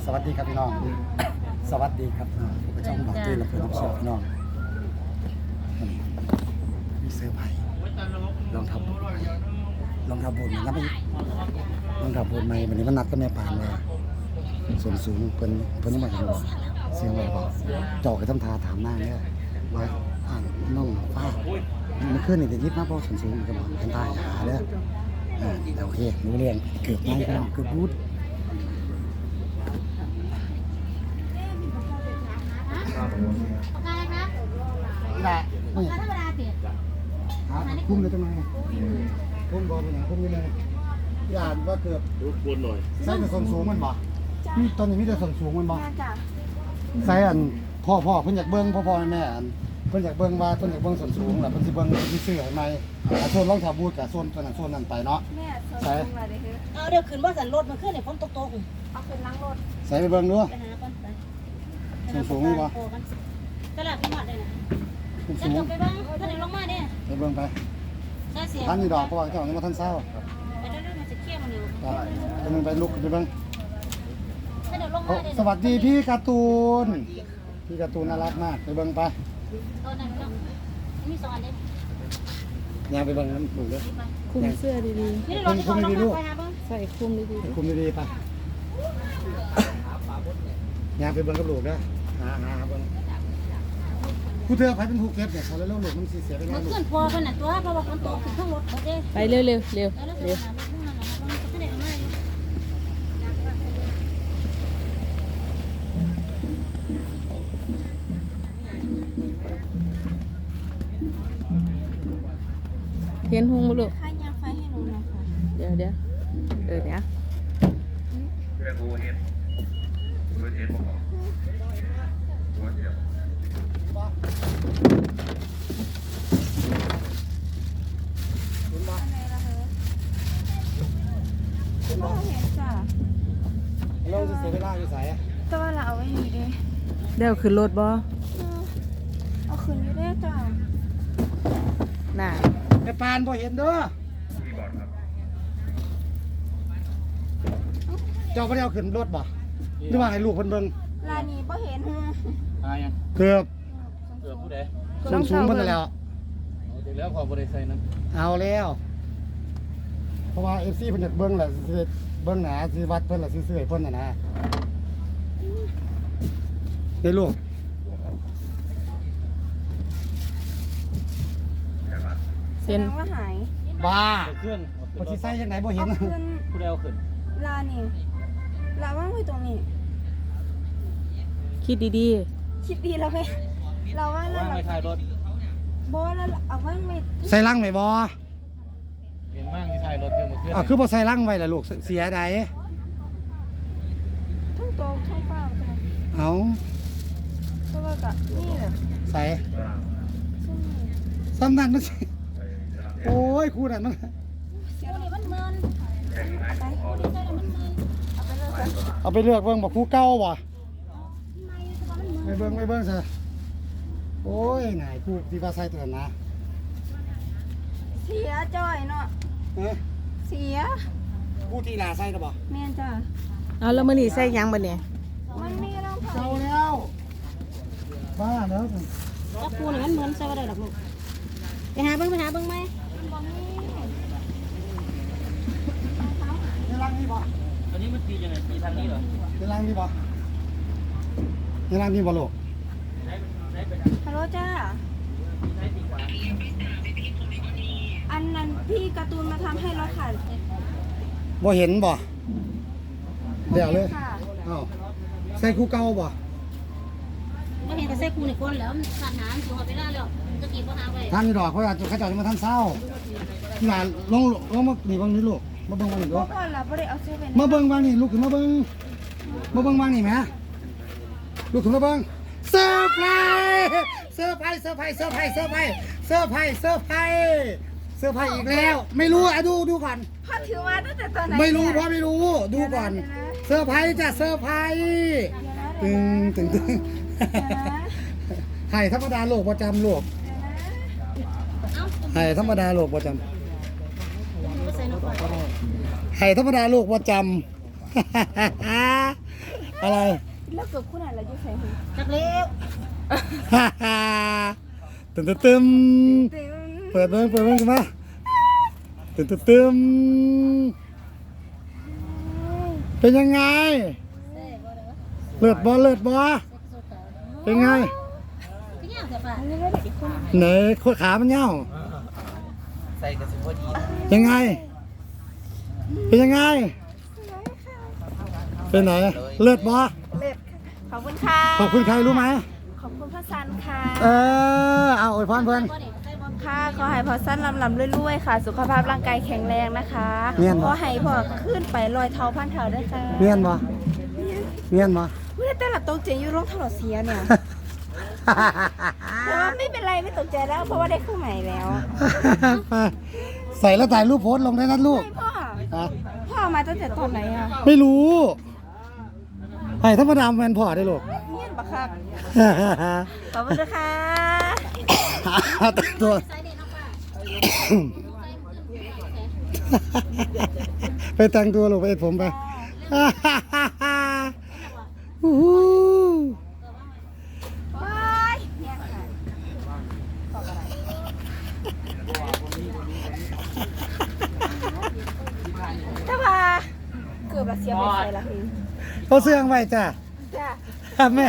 สวัสดีครับพี่น้อง สวัสดีครับผมก็ช่องบอกตื่นและเพื่อนรับชมพี่น้องมีเสื้อผ้าลองทำบุญนะไปลองทำบุญใหม่วันนี้มันนัดกับแม่ปานว่าส่วนสูงเพิ่นยังมาเห็นบ่เสียงอะไรบอกจอกกับทำทาถามหน้าเนี่ยว่าน้องป้ามันขึ้นนี่จะยิบมาเพราะส่วนสูงกับทำทาหาเด้อโอเครู้เรื่องเกือบไม่พี่น้องเกือบพูดนี่แหละนี่ธรรมดาเปลี่ยนคุ้มเลยทำไมคุ้มบอลเป็นอย่างคุ้มนี่เลยอ่านว่าเกือบรบกวนหน่อยใส่แต่ส่วนสูงมันบ่นี่ตอนนี้มีแต่ส่วนสูงมันบ่ใส่อันพ่อเพิ่นอยากเบิ้งพ่อแม่อันเพิ่นอยากเบิ้งว่าเพิ่นอยากเบิ้งส่วนสูงแหละเพิ่นสิเบิ้งที่ซื้อให้ใหม่โซนรองเท้าบูทกับโซนตัวนั้นโซนนั้นไปเนาะใส่เอาเดี๋ยวขึ้นว่าสันรถมันขึ้นเนี่ยฝนตกเอาขึ้นล้างรถใส่ไปเบิ้งดูไปหาก่อนไปส่วนสูงนี่บ่ตลาดพี่หมดเลยนะจะจบไปบ้างถ้าเดี๋ยวลงมาเนี่ยไปเบิ้งไปท่านนี่ดอกเพราะว่าเจ้ายังมาท่านเศร้าไปเรื่อยๆมันจะเคี่ยวมันอยู่ไปมึงไปลุกไปเบิ้งถ้าเดี๋ยวลงมาเนี่ยสวัสดีพี่การ์ตูนน่ารักมากไปเบิ้งไปตัวนั้นมี2 อันเด้ยางไปเบิ้งน้ำถูกเลยคุมเสื้อดีคุมดีๆลูกๆใส่คุมดีคุมดีๆไปยางไปเบิ้งกับลูกนะหาเบิ้งผู้เธอไปเป็นผู้เก็บเนี่ยเขาแล้วลูกมันเสียไปแล้วมันขึ้นพอขนาดตัวเพราะว่าฝนตกขึ้นข้างรถเด้ไปเร็วเห็นหงบ่ลูกค่ายางไฟให้หนูหน่อยค่ะเดี๋ยวเรื่องโอเอสบอกหัวเดียวเราจะเสียเวลาอยู่ใส่แต่ว่าเราเอาไว้อยู่ดิเดี๋ยวขึ้นรถบ่เอาขึ้นอยู่ได้จ้ะน่ะไอ้ปานพอเห็นเด้อเจ้าไม่ได้เอาขึ้นรถบ่หรือว่าให้ลูกเพิ่นเบิ่งลานี้บ่เห็นยังเกือบผู้ใดสูงเพิ่นแล้วเดี๋ยวแล้วพอบริษัทนั้นเอาแล้วเพราะว่า FC เพิ่นอยากเบิ่งแหละสิเบิ่งหนาสิวัดเพิ่นล่ะสิซื้อให้เพิ่นน่ะนะได้ลูกเส้นว่าหายบ้าเครื่องบ่สิใส่จังได๋บ่เห็นผู้ใดเอาขึ้นลานี่ลาว่างไว้ตรงนี้คิดดีคิดดีแล้วไหมเราว่าเราไม่ถ่ายรถบอแล้วเอาว่างไว้ใส่ลังไหมบ่เห็นมากที่ถ่ายรถเยอะมาขึ้นคือบ่ใส่ลังไว้ล่ะลูกเสียใดทั้งโตทั้งเปล่าเอาเพราะว่าก็นี่แหละใส่ซ้ำนั่นมันสิโอ้ยคู่นั่นมันเอาไปเลือกเบิ่งบ่คู่เก่าบ่ไปเบิ่งซะโอ้ยนายคู่ที่ว่าใส่ตัวนั้นนะเสียจ้อยเนาะเสียคู่ที่ลาใส่ก็บ่แม่นจ้ะเอาแล้วมื้อนี้ใส่หยังบัดนี้มันมีรองเท้าเก่าแล้วบ้าแล้วก็ปูนี่มันเหมือนใส่บ่ได้ดอกลูกไปหาเบิ่งไหมในรังนี่บ่อันนี้มันตียังไงตีทางนี้เหรอในรังนี่บ่ลูกฮัลโหลจ้าอันนั้นพี่การ์ตูนมาทำให้รถค่ะบ่เห็นบ่เดี๋ยวเลยอ้าวใส่คู่เก่าบ่เห็นแต่ใส่กูในก้นแล้วมันขาดน้ำตัวไปได้แล้วจะกินก็หาไปท่านนี่ดอกเขาจะจะมาท่านเศร้าหลานลงมานี่บางนี้ลูกมาเบิ่งบางนี่ลูกมาเบิ่งบางนี่ลูกขึ้นมาเบิ่งบางนี่แม่ลูกขึ้นมาเบิ่งเซอร์ไพรส์อีกแล้วไม่รู้อ่ะดูก่อนพ่อถือมาตั้งแต่ตอนไหนไม่รู้พ่อไม่รู้ดูก่อนเซอร์ไพรส์จ้ะเซอร์ไพรส์ตึงไห่ธรรมดาโลกประจำโลกไห่ธรรมดาโลกประจำไห่ธรรมดาโลกประจำอะไรแล้วเกือบคู่ไหนเราจะใส่หูจักเลี้ยวฮ่าฮ่าตึมตึมตึมเปิดเบิ้งกันมาตึมตึมตึมเป็นยังไงเลือดบ่เป็นไงพี่ย่างเสียป่ะนี่ไม่ได้อีกคนไหนโคตรขามันเน่าใส่กระสุนพอดียังไงเป็นยังไงเป็นไหนเลือดบ่เล็ดขอบคุณค่ะขอบคุณใครรู้ไหมขอบคุณพ่อซันค่ะเอาอวยพรเพื่อนค่ะขอให้พ่อซันลำรวยๆค่ะ สุขภาพร่างกายแข็งแรงนะคะเมียนบ่ขอให้พ่อขึ้นไปลอยเท้าพันเท้าด้วยค่ะเมียนบ่เมียนบ่ไม่ได้แต่ละตกใจอยู่ร่องถลอดเสียเนี่ยแต่ว่าไม่เป็นไรไม่ตกใจแล้วเพราะว่าได้คู่ใหม่แล้วใส่แล้วถ่ายรูปโพสต์ลงได้นะลูกพ่อฮะพ่อมาตั้งแต่ตอนไหนอ่ะไม่รู้ให้ธรรมดาแมนพอได้ลูกเงียบปะครับขอบคุณนะคะแต่งตัว ไปแต่งตัวลูกไปเอ็ดผมไปอู้หูว้ายเนี่ยค่ะถ้าว่าเกือบละเสียไปใส่ละคือเขาเสื่องไว้จ้ะจ้าแม่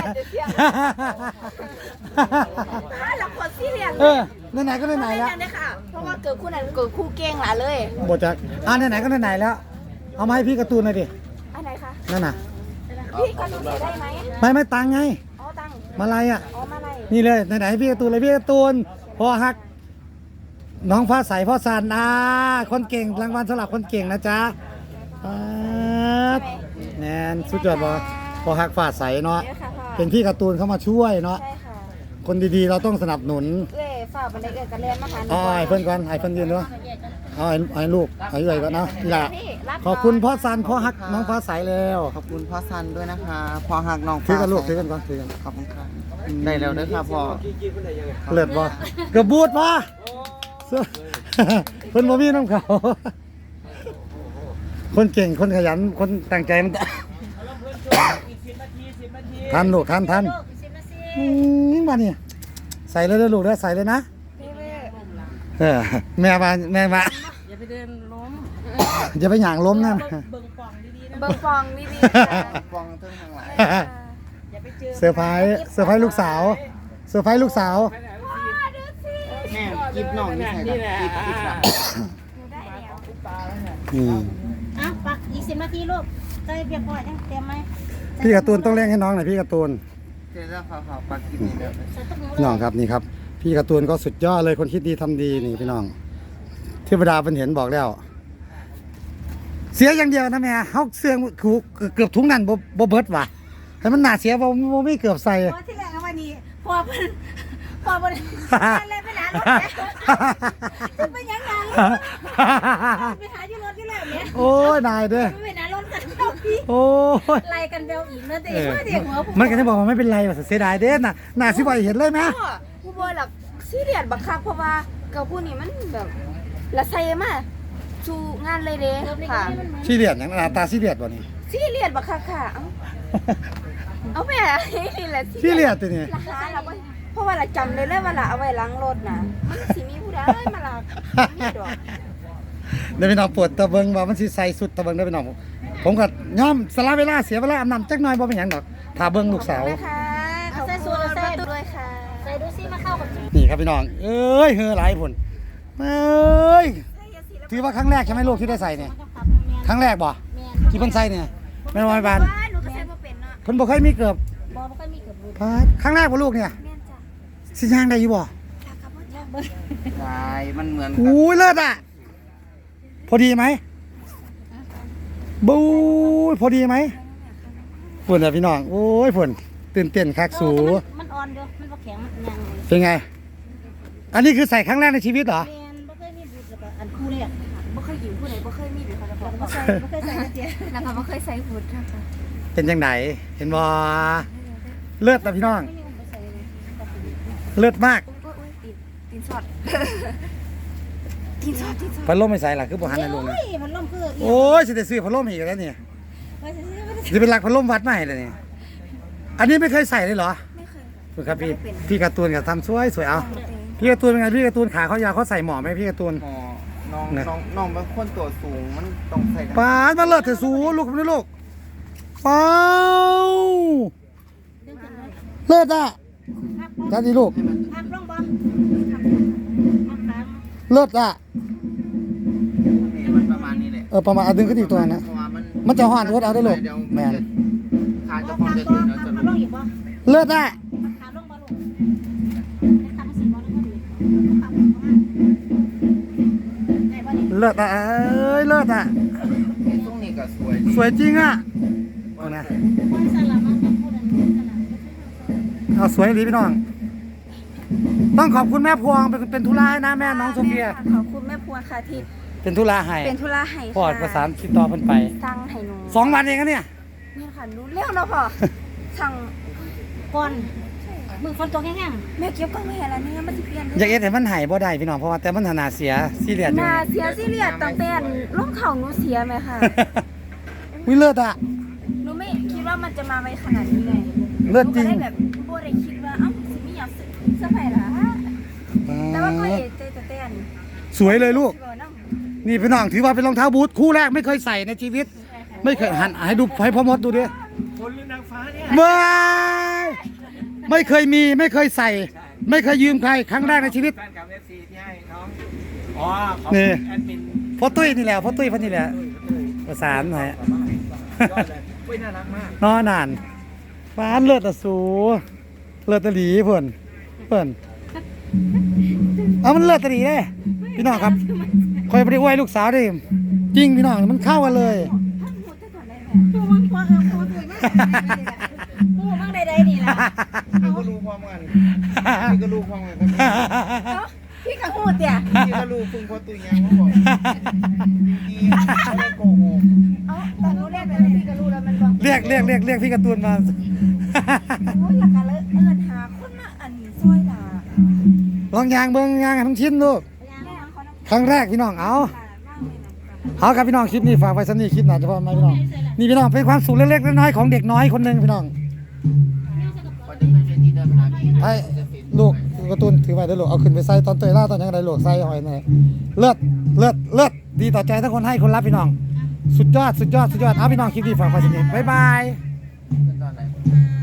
ถ้าเราคนซีเรียสไหนๆก็ไหนๆแล้วเนี่ยค่ะเพราะว่าเกิดคู่นั้นเกิดคู่เก่งหล่ะเลยบทจากไหนๆก็ไหนๆแล้ว เอามาให้พี่การ์ตูนหน่อยดิอันไหนคะนั่นน่ะพี่ก็ดูได้ไหมไม่ตังไงอ๋อตังค์มาลายอ่ะอ๋อมาอะไรนี่เลยไหนๆพี่การ์ตูนเลยพี่การ์ตูนพ่อฮัก น้องฟ้าใสพ่อสันคนเก่งรางวัลสำหรับคนเก่งนะจ๊ะแนนสุดยอดบ่พ่อฮักฟ้าใสเนาะเดี๋ยวค่ะพ่อเป็นพี่การ์ตูนเข้ามาช่วยเนาะใช่ค่ะคนดีๆเราต้องสนับสนุนเอ้ยฝากบันไดเอ้ยกันเรียนมาหาหนูไอ้เพื่อนก่อนไอ้เพื่อนยืนด้วยไอ้ลูกไอ้ใหญ่ก่อนนะนี่แหละพี่รับขอบคุณพ่อสันพ่อฮักน้องฟ้าใสแล้วขอบคุณพ่อซันด้วยนะคะพ่อหักน้องถือกันลูกถือกันก่อนถือกันขอบคุณครับได้แล้วเด้อครับพ่อเลือดบ่กระบูดบ่เสื้อเพิ่นบ่มีน้ำเขาคนเก่งคนขยันคนตั้งใจมันทันลูกทันมานี่ใส่เลยเด้อลูกเด้อใส่เลยนะแม่มาอย่าไปเดินล้มอย่าไปหย่างล้มนะเบิ่งฟองดีๆค่ะฟองเทิงทางหลายเซอร์ไพรส์ลูกสาวเซอร์ไพรส์ลูกสาวแม่กิบน้องนี่ใส่ละกิบละอ่ะปักอีก10 นาทีลูกใส่เบียร์พอยังเตรียมไหมพี่การ์ตูนต้องเร่งให้น้องหน่อยพี่การ์ตูนเดี๋ยวจะขอปักกิบนี่เด้อใส่ตุ๊กหนูพี่น้องครับนี่ครับ พี่การ์ตูนก็สุดยอดเลยคนคิดดีทำดีนี่พี่น้องเทวดาเป็นเห็นบอกแล้ว เสียอย่างเดียวนะแม่เฮาเสื่องเกือบทุงนั่นบ่เบิดว่ะให้มันหนาเสียบ่ไม่เกือบใส่พอที่แรกเอาวันนี้พอเลยไปหารถจะไปยังไงไปหาที่รถที่แรกเนี่ยโอ้ยนายเด้อไปหารถกันเจ้าพี่โอ้ยไล่กันเบลอีกนะเด็กเด็กหัวผมมันก็จะบอกว่าไม่เป็นไรว่าเสียดายเด้น่ะหน้าสิบ่เห็นเลยไหมพ่อผู้บอยหลักซีเรียสบักคักเพราะว่าเกับผู้นี้มันแบบละใส่มาชูงานเลยเด้ค่ะซีเรียสอย่างหน้าตาซีเรียสบ่นี่ซีเรียสบักคักค่ะเอาแม่นี่แหละซีเรียสตัวนี้ราคาเราบ่เพราะว่าเราจำได้เลยว่าเราเอาไว้ล้างรถนะมันสิมีผู้ใดมาลักมีดอกเดี๋ยวพี่น้องปวดตะเบิงว่ามันสิใส่สุดตะเบิงได้อพี่น้องผมก็ยอมสละเวลาเสียเวลาอาบน้ำจักหน่อยบ่เป็นหยังดอกถ้าเบิ่งลูกสาวนะคะขอบคุณประตูด้วยค่ะใส่ดูซิมาเข้ากับนี่ครับพี่น้องเอ้ยเฮือหลายผลเอ้ยถือว่าครั้งแรกใช่ไหมลูกที่ได้ใส่เนี่ยครั้งแรกบ่ที่เพิ่นใส่เนี่ยแม่นบ่แม่บานว่าหนูก็ใส่บ่เป็นเนาะเพิ่นบ่เคยมีเกือบบอไม่ค่อยมีเกือบลูกครั้งแรกบ่ลูกเนี่ยแม่นจ้ะสิย่างได้อยู่บ่ราคาบ่จ้ะใช่มันเหมือนกับอู้ยเลิศอ่ะพอดีไหมบู๊ยพอดีไหมฝุ่นอ่ะพี่น้องโอ้ยฝุ่นตื่นเต้นคักสูมันอ่อนเดียวมันบ่แข็งมันยังเป็นไง อันนี้คือใส่ครั้งแรกในชีวิตเหรอแมนบ่เคยมีบุตรแล้วก็อันคู่เนี่ยบ่เคยอยู่ผู้ใดบ่เคยมีหรือเขาจะบอกบ่เคยใส่เตี้ยนะคะบ่เคยใส่หุ่นค่ะเป็นยังไงเห็นบ่เลิศนะพี่น้อง เลิศมากอุ้ยตีนสอดตีนสอดพัดลมไม่ใส่หรอคือบ่หันในลุงโอ้นะยมันล่มคือโอ้ยสิได้ซื้อพัดลมอีกแล้วเนี่ยไปซื้อจะเป็นหลักพัดลมวัดใหม่เลยนี่อันนี้ไม่เคยใส่เลยเหรอไม่เคยดูครับพี่การ์ตูนกับทำสวยเอาพี่การ์ตูนเป็นไงพี่การ์ตูนขาเขายาวเขาใส่หมอไหมพี่การ์ตูนหมอน้องเป็นคนตัวสูงมันต้องใส่กันป้าดมาเลิศเถอะสูลูกนี่ลูกป้าวเลิศอ่ะจ้าดีลูกพับลงบ่เลิศอ่ะนี่มันประมาณนี้แหละประมาณดึงขึ้นอีกตัวนะเพราะว่ามันมันจะห่อนรถเอาได้ลูกแมนขาจะพัพบอลจะงถึงแล้วจะพับลงอีกบ่เลิศอ่ะขาลงบ่ลูกทำสิบ่ลงบ่ดีพับลงมาได้บ่นี่เลิศอ่ะเอ้ยเลิศอ่ะตรงนี้ก็สวยสวยจริงอ่ะเอานะคนสลับมาพูดอันนี้สลับเอาสวยดีพี่น้อง ต้องขอบคุณแม่พวงเป็นธุระให้นะแม่น้องโซเฟียขอบคุณแม่พวงค่ะที่เป็นธุระให้เป็นธุระให้พอดประสานติดต่อเพิ่นไปสั่งให้หนู 2 วันเองนะเนี่ยนี่ค่ะรู้เร็วเนาะพ่อสั่งก่อนมือฝนตกแห้งแม่เก็บกล้องไม่เห็นแล้วเนี่ยมันจะเปลี่ยนอยากเอ็ดให้มันหายบ่ได้พี่น้องเพราะว่าแต่มันหนาเสียซีเรียสอยู่นาเสียซีเรียสตั้งแต่ร่องเข่าหนูเสียไหมค่ะวิเลิศอ่ะหนูไม่คิดว่ามันจะมาไวขนาดนี้เลยเลิศจริงหนูก็ได้แบบโบได้คิดว่าเอ้าสิไม่อยากเสื้อผ้าละแต่ว่าก็เห็นแต่เต้นสวยเลยลูกเออเนาะนี่พี่น้องถือว่าเป็นรองเท้าบูทคู่แรกไม่เคยใส่ในชีวิต ไม่เคยหันให้ดูให้พ่อมดดูดิคนหรือนางฟ้าเนี่ยไม่เคยมีไม่เคยใส่ ไม่เคยยืมใครครั้งแรกในชีวิตแฟนกับ FC ที่ให้น้องอ๋อขอบนี่คุณแอดมินพ่อตุ้ยนี่แหละพ่อตุ้ยพ่อนี่แหละประสานหน่อยยอดเลยเว้ยน่ารักมากนอนนานฟ้านเลือดตะสูเลือดตะหลีเพิ่นเอามันเลือดตะหลีเด้พี่น้องครับคอยไปอวยลูกสาวดิจริงพี่น้องมันเข้ากันเลยๆผู้มังควงผู้สวยมากผู้มังใดๆนี่ล่ะพี่ก็รู้พร้อมกันพี่ก็รู้พร้อมกันครับพี่กะฮู้เตี่ยพี่ก็รู้พึ่งพอตุยยังเขาบอกจริงๆไม่ได้โกหกเอ้าตอนรู้แรกเลยพี่ก็รู้แล้วมันบ่เรียกพี่การ์ตูนมาโอ้ยหลักการเลยเอิญหาคนมาอันซอยด่าลองยางเบิ้งยางให้ทั้งชิ้นลูกแม่เขาน้ำครั้งแรกพี่น้องเอาตาบ้างเลยนะเอาครับพี่น้องคลิปนี้ฝากไว้สักนี้คลิปหนาเฉพาะไหมพี่น้องนี่พี่น้องเป็นความสุขเล็กๆน้อยๆของเด็กน้อยคนหนึ่งพี่น้องพอจะไม่เป็นที่เดินมาพี่ไอ้ลูกการ์ตูนถือไว้เด้อลูกเอาขึ้นไปใส่ตอนเตยล่าตอนยังไงลูกใส่หอยหน่อยเลิศดีต่อใจทั้งคนให้คนรับพี่น้อง สุดยอดเอาพี่น้องคลิปนี้ฝากไว้สักนี้บ๊ายบายตอนไหน